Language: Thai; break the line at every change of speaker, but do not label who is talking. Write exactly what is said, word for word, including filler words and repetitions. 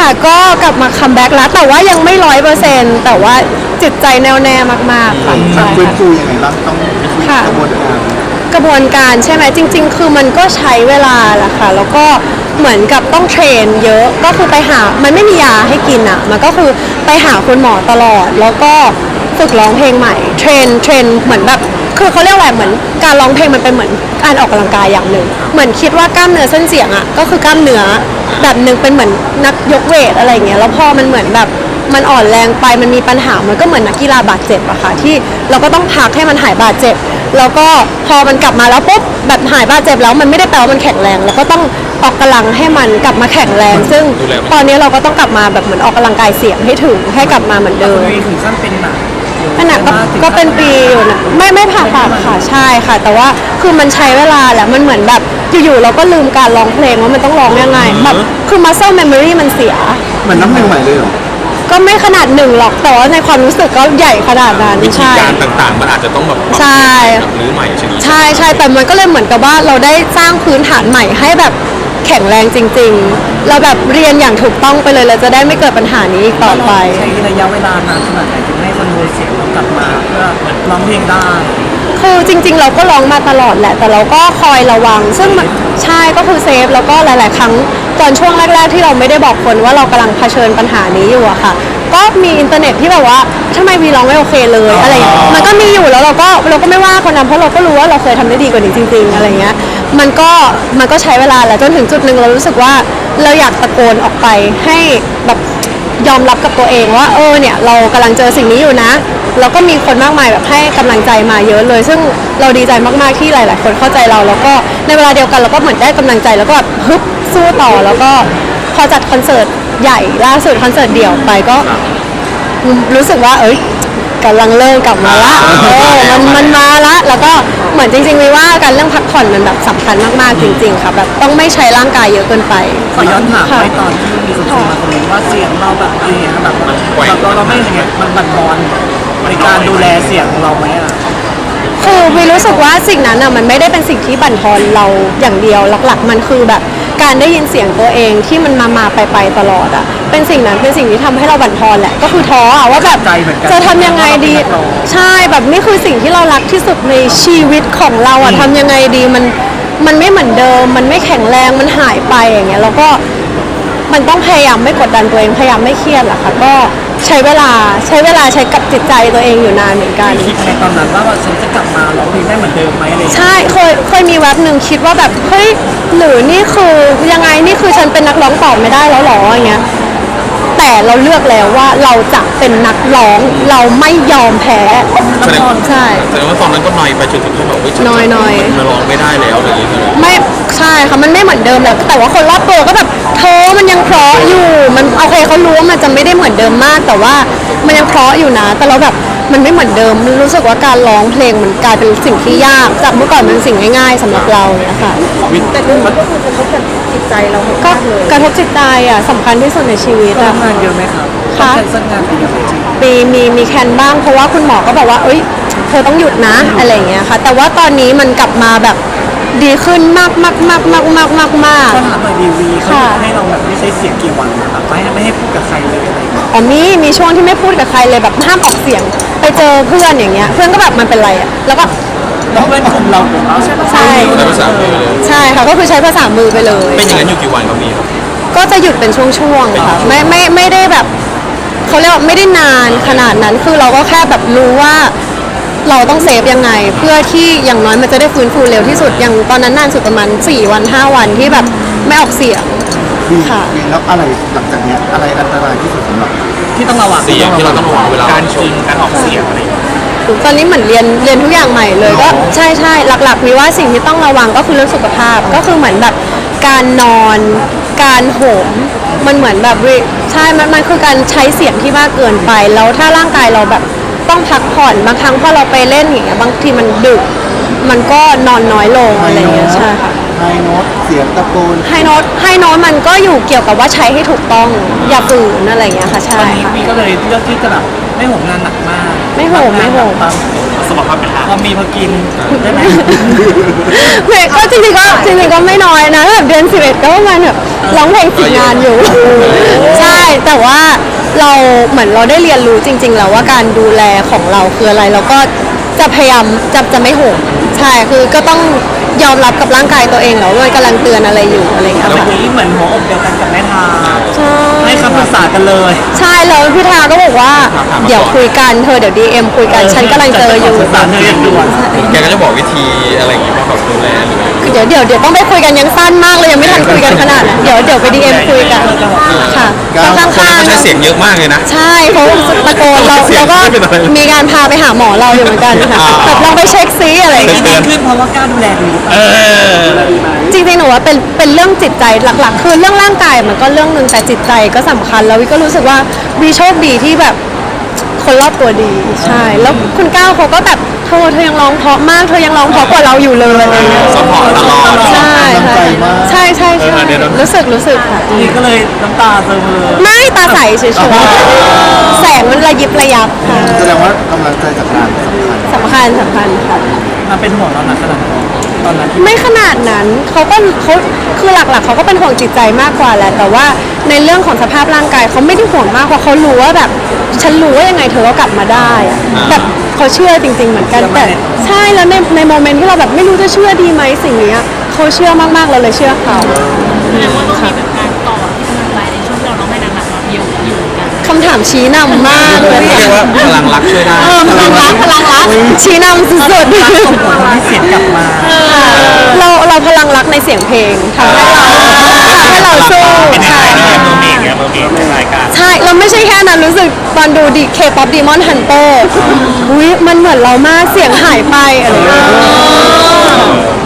ค่ะก็กลับมาคัมแบ็กแล้วแต่ว่ายังไม่ร้อยเปอร์เซ็นต์แต่ว่าจิตใจแน่วแน่มากๆค่ะใช่
ฟื้นฟูยังไงบ้างต้องกระบวนการ
กระบวนการใช่ไหมจริงๆคือมันก็ใช้เวลาแหละค่ะแล้วก็เหมือนกับต้องเทรนเยอะก็คือไปหามันไม่มียาให้กินอ่ะมันก็คือไปหาคุณหมอตลอดแล้วก็ฝึกร้องเพลงใหม่เทรนเทรนเหมือนแบบคือเขาเรียกอะไรเหมือนการร้องเพลงมันเป็นเหมือนการออกกำลังกายอย่างหนึ่งเหมือนคิดว่ากล้ามเนื้อเส้นเสียงอ่ะก็คือกล้ามเนื้อแบบหนึ่งเป็นเหมือนนักยกเวทอะไรเงี้ยแล้วพอมันเหมือนแบบมันอ่อนแรงไปมันมีปัญหามันก็เหมือนนักกีฬาบาดเจ็บอะค่ะที่เราก็ต้องพักให้มันหายบาดเจ็บแล้วก็พอมันกลับมาแล้วปุ๊บแบบหายบาดเจ็บแล้วมันไม่ได้แปลว่ามันแข็งแรงแล้วก็ต้องออกกำลังให้มันกลับมาแข็งแรงซึ่งตอนนี้เราก็ต้องกลับมาแบบเหมือนออกกำลังกายเสียงให้ถึงให้กลับมาเหมือนเดิม
ถึงขั้นเป็นหนัก
ขนาดก็ก็เป็นปีอยู่นะไม่ไม่ผ่าตัดค่ะใช่ค่ะแต่ว่าคือมันใช้เวลาแหละมันเหมือนแบบอยู่ๆเราก็ลืมการร้องเพลงว่ามันต้องร้องยังไงแบบคือ muscle memory มันเสีย
เหมือนน้ำหนึ่งใหม่เลยเหรอ
ก็ไม่ขนาดหนึ่งหรอกแต่ว่าในความรู้สึกก็ใหญ่ขนาดนั้น
วิธีการต่างๆมันอาจจะต้องแบบ
ใช่
หรือใหม่ใช่ไหม
ใช่ใช่แต่มันก็เลยเหมือนกับว่าเราได้สร้างพื้นฐานใหม่ให้แบบแข็งแรงจริงๆเราแบบเรียนอย่างถูกต้องไปเลยเราจะได้ไม่เกิดปัญหานี้อีกต่อไป
ใช้ระยะเวลานานขนาดไหนถึงให้คอนโทรลเสียงเรากลับมาเพื่อร้องเพลงได้
คือจริงๆเราก็ร้องมาตลอดแหละแต่เราก็คอยระวังซึ่งใช่ก็คือเซฟแล้วก็หลายๆครั้งตอนช่วงแรกๆที่เราไม่ได้บอกคนว่าเรากำลังเผชิญปัญหานี้อยู่อะค่ะก็มีอินเทอร์เน็ตที่แบบว่าทำไมวีร้องไม่โอเคเลยอะไรอย่างเงี้ยมันก็มีอยู่แล้วเราก็เราก็ไม่ว่าคนนั้นเพราะเราก็รู้ว่าเราเคยทำได้ดีกว่านี้จริงๆอะไรเงี้ยมันก็มันก็ใช้เวลาแหละจนถึงจุดหนึ่งเรารู้สึกว่าเราอยากตะโกนออกไปให้แบบยอมรับกับตัวเองว่าเออเนี่ยเรากำลังเจอสิ่งนี้อยู่นะแล้วก็มีคนมากมายแบบให้กำลังใจมาเยอะเลยซึ่งเราดีใจมากๆที่หลายๆคนเข้าใจเราแล้วก็ในเวลาเดียวกันเราก็เหมือนได้กำลังใจแล้วก็แบบฮึบสู้ต่อแล้วก็พอจัดคอนเสิร์ตใหญ่ล่าสุดคอนเสิร์ตเดี่ยวไปก็รู้สึกว่าเอ้ยกำลังเริ่มกลับมาละเออมันมันมาละแล้วก็เหมือนจริงๆวิว่าการเรื่องพักผ่อนมันแบบสำคัญมากๆจริงๆค่ะแบบต้องไม่ใช้ร่างกายเยอะเกินไป
ขอย้อนถามไปตอนที่มีคนมาคอมเมนต์ว่าเสียงเราแบบอะไรเงี้ยแบบเราเราไม่ยังไงมันบั่นทอนในการดูแลเสียงของเราไหมอ่ะ
คือวิรู้สึกว่าสิ่งนั้นอ่ะมันไม่ได้เป็นสิ่งที่บั่นทอนเราอย่างเดียวหลักๆมันคือแบบการได้ยินเสียงตัวเองที่มันมามาไปไปตลอดอ่ะเป็นสิ่งนั้นเป็นสิ่งที่ทำให้เราบั่นทอนแหละก็คือท้ออ่ะว่าแบบจะทำยังไงดีใช่แบบนี่คือสิ่งที่เรารักที่สุดในชีวิตของเราอ่ะทำยังไงดีมันมันไม่เหมือนเดิมมันไม่แข็งแรงมันหายไปอย่างเงี้ยแล้วก็มันต้องพยายามไม่กดดันตัวเองพยายามไม่เครียดแหละค่ะก็ใช้เวลาใช้เวลาใช้กับจิตใจตัวเองอยู่นานเหมือนกัน
คิดในตอนนั้นว่าฉันจะกลับมาร้องเพลงได้เหมือนเดิมไหมอะไร
ใช่เคยเคยมีแวบหนึ่งคิดว่าแบบเฮ้ยหรือนี่คือยังไงนี่คือฉันเป็นนักร้องต่อไม่ได้แล้วหรออย่างเงี้ยแต่เราเลือกแล้วว่าเราจะเป็นนักร้องเราไม่ยอมแพ้ใช่
แสดงว่าตอนนั้นก็นอยไปจนถึงขั้นแบบว่า
น้อยน้อย
มาร้องไม่ได้แล้วอะไรอย่างเงี้ย
ไม่ใช่ค่ะมันไม่เหมือนเดิมแล้วแต่ว่าคนรอบตัวก็แบบเธอมันยังเพราะอยู่มันโอเคเขารู้ว่ามันจะไม่ได้เหมือนเดิมมากแต่ว่ามันยังเพราะอยู่นะแต่เราแบบมันไม่เหมือนเดิมรู้สึกว่าการร้องเพลงมันกลายเป็นสิ่งที่ยากจากเมื่อก่อนมันเป็นสิ่งง่ายๆสำหรับเราเนี่ยค่ะ
แต่มันก็คือกระทบกับจิตใจเรา
ก็กระทบจิตใจอ่ะสำคัญที่สุดในชีวิต
อ่ะทำงานเยอะไหมครับ
ค่ะ
แคนเซิลงานไปเยอะไหม
มีมีมีแคนบ้างเพราะว่าคุณหมอก็บอกว่าเอ้ยเธอต้องหยุดนะอะไรอย่างเงี้ยค่ะแต่ว่าตอนนี้มันกลับมาแบบดีขึ้นมากมากมากมากมากมากมาก
ก็ถามหน่อยดีวีเขาให้เราแบบไม่ใช้เสียงกี่วันนะครับไม่ไม่ให้พูดกับใครเลยอะไร
อ๋อมีมีช่วงที่ไม่พูดกับใครเลยแบบห้ามออกเสียงไปเจอเพื่อนอย่างเงี้ยเพื่อนก็แบบมันเป็นไรอ่ะแล้วก็
แล้วเพื่อนกลุ่มเราใช่
ใช่
ใช้ภาษามือเลย
ใช่ค่ะก็คือใช้ภาษามือไปเลย
เป็นอย่างนั้นอยู่กี่วันก็มีครับ
ก็จะหยุดเป็นช่วงๆค่ะไม่ไม่ไม่ได้แบบเขาเรียกว่าไม่ได้นานขนาดนั้นคือเราก็แค่แบบรู้ว่าเราต้องเซฟยังไงเพื่อที่อย่างน้อยมันจะได้ฟื้นฟูเร็วที่สุดอย่างตอนนั้นนานสุดประมาณสี่วันห้าวันที่แบบไม่ออกเสียง
ค่ะแล้วอะไรหลังจากนี้อะไรอันตรายที่สุดสำหรับ
ที่ต้องระวัง
เสียงที่เราต้องระวังเวลา
การกินการออกเสียงอะไร
ตอนนี้เหมือนเรียนเรียนทุกอย่างใหม่เลยก็ใช่ใช่หลักๆมีว่าสิ่งที่ต้องระวังก็คือเรื่องสุขภาพก็คือเหมือนแบบการนอนการโหมมันเหมือนแบบใช่มันมันคือการใช้เสียงที่มากเกินไปแล้วถ้าร่างกายเราแบบต้องพักผ่อนบางครั้งพอเราไปเล่นอย่างเงี้ยบางทีมันดึกมันก็นอนน้อยลงอะไรเงี้ยใช่ค่ะ
ไฮโน้ตเสียงตะโกน
ไฮโน้ตไฮโน้ตมันก็อยู่เกี่ยวกับว่าใช้ให้ถูกต้องอย่าฝืนอะไรเงี้ยค่ะใช่ค่ะ
มีก็เลยเลือกที่จะแบบไม่โหมงานหนักมาก
ไม่โหมไม่โหม
สมรรถภาพเป็นพอมีพอกินได้ไหม
ก็จริงๆก็จริงๆก็ไม่น้อยนะแบบเดือนสิบเอ็ดก็ประมาณแบบร้องเพลงสิบงานอยู่ใช่แต่ว่าเราเหมือนเราได้เรียนรู้จริง ๆ แล้วว่าการดูแลของเราคืออะไรแล้วก็จะพยายามจะจะไม่โหมใช่คือก็ต้องยอมรับกับร่างกายตัวเองแล้วว่ามันกำลังเตือนอะไรอยู่อะไรอย่างเงี้ย
วัน
ค่ะ
นี้เหมือนหัวอกเดียวกันกับแม่ทา
ใช่
ให้คำปรึกษากันเลย
ใช่แล้วพี่ทาก็บอกว่าเดี๋ยวคุยกันเธอเดี๋ยวดีเอ็มคุยกันฉันกำลังเจออยู่
ปรึกษาเธออย่างด่วน
แกก็จะบอกวิธีอะไรอย่างเงี้ยว่าแบบดูแลหรืออะไร
เดี๋ยวเดี๋ยวเดี๋ยวต้องไปคุยกันยังสั้นมากเลยยังไม่ทันคุยกันขนาดนั้นเดี๋ยวเดี๋ยวไปดีเอ็มคุยกันค่ะข้าง
คน
ข้าง
เขาใช้เสียงเยอะมากเลยนะ
ใช่เขาตะโกนเราเราก็มีการพาไปหาหมอเราอยู่เหมือนกันค่ะแบบลองไปเช็คซิอะไรอย่าง
ที่
เงี้ย
ดีขึ้นเพราะว่ากล้าดูแลดี
เออ
จริงๆหนูว่าเป็นเป็นเรื่องจิตใจหลักๆ คือเรื่องร่างกายมันก็เรื่องหนึ่งแต่จิตใจก็สำคัญแล้ววิก็รู้สึกว่าวีโชคดีที่แบบคนรอบตัวดีใช่แล้วคุณก้าวเขาก็แบบเธอเธอยังร้องเพราะมากเธอยังร้องเพราะกว่าเราอยู่เลยอะไรเงี้ย
ซัพพอร์ตตลอด
ใช่ใช่ใช่ใช่ใช่
เออเดี๋ยวๆ
รู้สึกรู้สึกค่ะ
นี่ก็เลยน้ำตาเติมเลย
ไม่ตาใสเฉยๆแสงมันระยิบระยับค่ะ
แสดงว่ากำลังใจจากงานสำคัญ
สำคัญสำคัญค่ะ
มันเป็นห่วงเราหนักขนาดไหนตอนนั้นที่
ไม่ขนาดนั้นเขาก็เขาคือหลักๆเขาก็เป็นห่วงจิตใจมากกว่าแหละแต่ว่าในเรื่องของสภาพร่างกายเขาไม่ได้ห่วงมากเพราะเขารู้ว่าแบบฉันรู้ว่ายังไงเธอก็กลับมาได้อะแบบเขาเชื่อจริง ๆ เหมือนกันแต่ใช่แล้วในในโมเมนต์ที่เราแบบไม่รู้จะเชื่อดีไหมสิ่งเนี้ยเขาเชื่อมากๆเราเลยเชื่อเขา
แสดงว่าต้องมีแบบการต่อที่กำลังใจในช่วงที่เราต้องให้หนักๆเราอยู่อยู่กัน
คำถามชี้นำมากเลย
เรียกว่าพลังรักช่วยได้
เออพลังรักพลังรักชี้นำสุด
ส่งผลให้เสียงกลับมา
ๆเราเราพลังรักในเสียงเพลงทำให้เราทำให้เราสู้ใช่
เมืองเอกเนี่ยเมืองเอกในรายการ
ใช่เราไม่ใช่แค่นั้นรู้สึกตอนดูดีเคป๊อปดีมอนฮันเตอร์อุ้ยมันเหมือนเรามากเสียงหายไปอะไรอย่างเงี้ย